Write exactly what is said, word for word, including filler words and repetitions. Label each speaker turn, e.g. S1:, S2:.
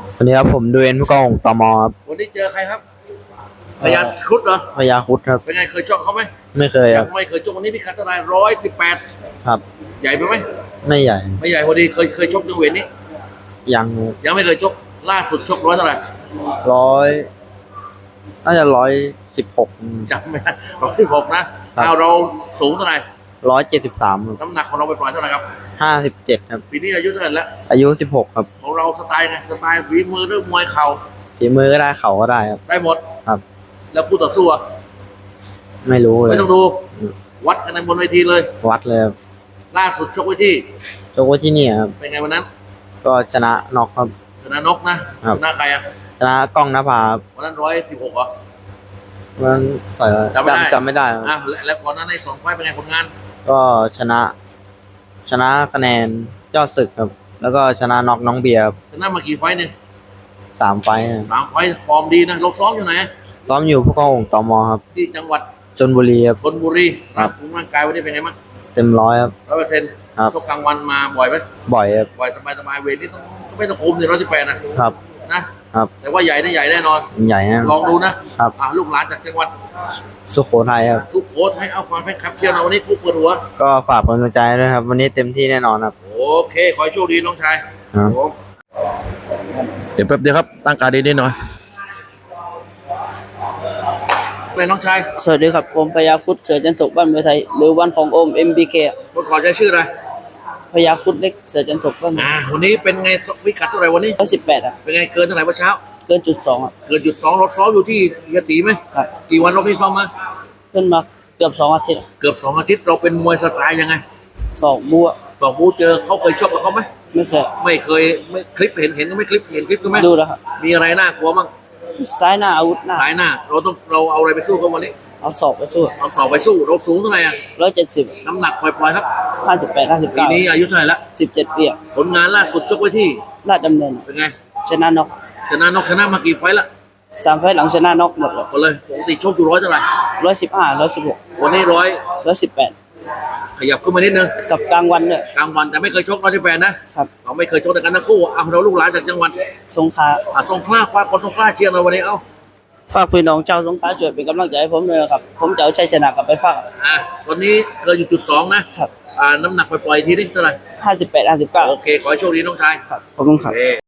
S1: วันนี้ครับผมดูเอ็นผู้กองตมครับ
S2: วันนี้เจอใครครับพยาครุฑเหรอ
S1: พยาครุฑครับ
S2: เป็นไงเคยชกเขาไหม
S1: ไม่เคยครับ
S2: ไม่เคยชกวันนี้พี่คัตเท่าไหร่ร้อยสิบแปด
S1: ครับ
S2: ใหญ่ไปไหม
S1: ไม่ใหญ่
S2: ไม่ใหญ่พอดีเคยเคยชกในเวทนี้
S1: ยัง
S2: ยังไม่เคยชกล่าสุดชกร้อยเท่าไหร่
S1: ร้อยน่าจะร้อยสิบหก
S2: จำไม่ได้ร้อยสิบหกนะเอาเราสูงเท่าไหร่
S1: ร้อยเจ็ดสิบสาม
S2: น้ำหนักของเราไปปล่อยเท่าไหร่ครับ
S1: ห้าสิบเจ็ดครับ
S2: ปีนี้อายุเท่าไหร่แล้ว
S1: อายุสิบหกครับ
S2: ของเราสไตล์ไงสไตล์ฝีมือหรือมวยเข่า
S1: ฝีมือก็ได้เข่าก็ได้ครับ
S2: ได้หมด
S1: ครับ
S2: แล้วคู่ต่อสู้
S1: ไม่รู้เลย
S2: ไม่ต้องดูวัดกันในบนเวทีเลย
S1: วัดเลย
S2: ล่าสุดชกไว้ที่
S1: ชกไว้ที่นี่ครับ
S2: เป็นไงวันนั้น
S1: ก็ชนะน็อกครับ
S2: ชนะนกนะชนะใครอ่ะ
S1: ชนะกล้องนภา
S2: วันนั้นร้อยสิบหกเหรอ
S1: วันนั้นต่อยจำจำไม่ได้
S2: อ่ะแล้วก่อนนั้นในสองไฟเป็นไงผลงาน
S1: ก็ชนะ ชนะคะแนนยอดศึกครับแล้วก็ชนะน็อกน้องเบียร์
S2: ชนะมากี่ไฟเนี่ย
S1: สามไฟ
S2: สามไฟฟอร์มดีนะเราซ้อมอยู่ไหน
S1: ซ้อมอยู่ผู้กองตมครับ
S2: ที่จังหวัด
S1: ชลบุรีครับ
S2: ชลบุรีครับร่างกายวันนี้เป็นไงบ้าง
S1: เต็มร้อยครับ
S2: ร้อยเปอร์เซ็นต์
S1: ครับ
S2: ชกกลางวันมาบ่อยไหม
S1: บ่อยครับ
S2: บ่อยสบายสบายเวทนี่ต้องไม่ต้องคุมเนี่ยร้อยสิบแปดนะครับนะครับแต่ว่าใหญ่ได้ใหญ่แน่นอน
S1: ใหญ่นะ
S2: ลองดูนะครับลูกหลานจากจังหวัด
S1: สุโขทัยครับ
S2: สุโขทัยเอาความแฟนคลับเชียร์เราวันนี้คู่เปิดหัว
S1: ก็ฝากเป็นกำลังใจด้วยครับวันนี้เต็มที่แน่นอนครับ
S2: โอเคขอให้โชคดีน้องชายเดี๋ยวแป๊บเดียวครับตั้งการดีๆหน่อยเป็นน้องชาย
S3: สวัสดีครับผมพยาครุฑเสือจันทกบ้านเมืองไทยหรือวันของโอม เอ็ม บี เค
S2: คนขอใช้ชื่ออะไร
S3: พยาครุฑเล็กเสือจันทกบ้าน
S2: อ่าวันนี้เป็นไงวิกัดเท่าไหร่วันนี้
S3: ร้อยสิบแปดอ่ะ
S2: เป็นไงเกินเท่าไหร่เมื่อเช้า
S3: เกินจุดสองอ่ะ
S2: เกินจุดสองรถซ้อมอยู่ที่ยะตีไหม
S3: ครับ
S2: กี่วันเราพี่ซ้อมมา
S3: ขึ้นมาเกือบสองอาทิตย์
S2: เกือบสองอาทิตย์เราเป็นมวยสไตล์ยังไง
S3: สองบัว
S2: สองบูเจอเขาเคยชกกับเขาไหม
S3: ไม่เคย
S2: ไม่เคยไม่คลิปเห็นเห็นก็ไม่คลิปเห็นคลิปก็ไหม
S3: ดูแล้วครับ
S2: มีอะไรน่ากลัวบ้าง
S3: ซ้ายหน้าอาวุธหน้า
S2: ซ้ายหน้าเราต้องเราเอาอะไรไปสู้เขาวันนี้
S3: เอาศอกไปสู้
S2: เอาศอกไปสู้เราสูงเท่าไหร่อ่ะ
S3: ร้อยเจ็ดสิบ
S2: น้ำหนักปล่อยๆครับ
S3: ห้าสิบแปดห้าสิบ
S2: ปี
S3: เก้า
S2: นี้อายุเท่าไหร่ละ
S3: สิบเจ็ดปี
S2: ผลงานล่าสุดชกไว้ที่
S3: ราชดำเนิน
S2: เป็นไง
S3: ชนะน็อก
S2: ชนะน็อกชนะมากี่ไฟละ
S3: สามไฟหลังชนะน็อกหมดเลย
S2: หมดเลยปกติชกอยู่ร้อยเท่าไหร่
S3: ร้อยสิบห้าร้อยสิบหก
S2: วันนี้ร้อย
S3: ร้อยสิบแปด
S2: ขยับขึ้นมานิดนึง
S3: กับกลางวันเนี่ย
S2: กลางวันแต่ไม่เคยชกร้อยสิบแปดนะครับเราไม่เคยชกแต่กันทั้งคู่เอาเราลูกหลานจากจังหวัด
S3: สงขลา
S2: อ่ะสงขลาคว้าคนสงขลาเชียร์เราวันนี้เอ้า
S3: ฝากพี่น้องเจ้าสงขลาช่วยเป็นกำลังใจให้ผมด้วยนะครับผมจะเอาชัยชนะกลับไปฝาก
S2: อ่ะตอนนี้เกินอยู่จุดสองนะครับอ่าน้ำหนักปล่อยๆทีนี้เท่าไหร่
S3: ห้าสิบแปดห้าสิบเก้า
S2: โอเคขอให้โชคดีน้องชาย
S3: ครับขอบคุณครับ